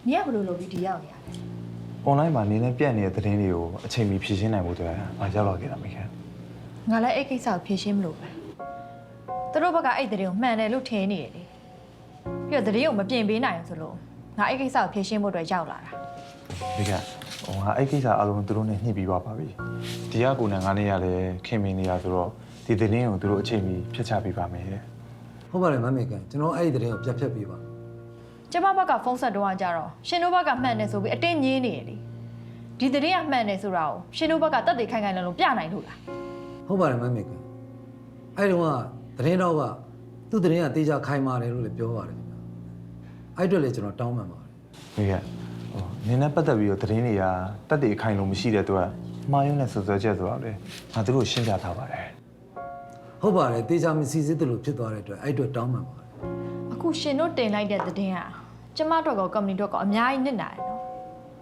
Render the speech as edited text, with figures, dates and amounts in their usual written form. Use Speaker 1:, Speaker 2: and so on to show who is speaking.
Speaker 1: 你也不如罗比迪要呢。
Speaker 2: online မှာနင်းနဲ့ပြတ်နေတဲ့သတင်းတွေကိုအချိန်မီဖြည့်ရှင်းနိုင်ဖို့အတွက်ငါရောက်လာခဲ့တာမိခင်
Speaker 1: ငါလည်းအဲ့ကိစ္စကိုဖြေရှင်းမလို့ပဲသူတို့ဘက်ကအဲ့တဲ့တွေကိုမှန်တယ်လို့ထင်နေတယ်လေပြီးတော့တဲ့တွေကိုမပြင်ပေးနိုင်ဘူးဆိုလို့ငါအဲ့ကိစ္စကိုဖြေရှင်းဖို့အတွက်ရောက်လာတာ
Speaker 2: မိခင်ငါအဲ့ကိစ္စအလုံးသူတို့နဲ့ညှိပြီးသွားပါပြီဒီကကိုနဲ့ငါနဲ့ရလဲခင်မင်းနေရဆိုတော့ဒီသတင်းကိုသူတို့အချိန်မီဖြတ်ချပေးပါမယ်
Speaker 3: ဟုတ်ပါတယ်မမေကန်ကျွန်တော်အဲ့ဒီတဲ့ကိုပြတ်ဖြတ်ပေးပါ
Speaker 1: ကျမဘက်ကဖုန်းဆက်တော့ကြတော့ရှင်တို့ဘက်ကမှန်တယ်ဆိုပြီးအတင်းညင်းနေရလေဒီတဲ့ကမှန်တယ်ဆိုတာကိုရှင်တို့ဘက်ကတက်တေခိုင်ခိုင်လုံလုံပြနိုင်လို့လား
Speaker 3: ဟုတ်ပါတယ်မမေကန်အဲ့တော့ကသတင်းတော့ကသူ့သတင်းကတေးကြခိုင်မာတယ်လို့လည်းပြောပါတယ်ခင်ဗျအဲ့အတွက်လည်းကျွန်တော်တောင်းပန်ပါတယ်
Speaker 2: မိခင်နင်းနဲ့ပတ်သက်ပြီးတော့သတင်းတွေကတက်တဲ့အခိုင်လုံးမရှိတဲ့အတွက်မှားယွင်းတဲ့စွပ်စွဲချက်ဆိုတာလေငါတို့ရှင်းပြထားပါတယ်
Speaker 3: ဟုတ်ပါတယ်တေးကြမစီစစ်တယ်လို့ဖြစ်သွားတဲ့အတွက်အဲ့အတွက်တောင်းပန်ပါတယ်
Speaker 1: အခုရှင်တို့တင်လိုက်တဲ့တဲ့ကကျမတို့ကကုမ္ပဏီတို့ကအများကြီးနစ်နာတယ်နော်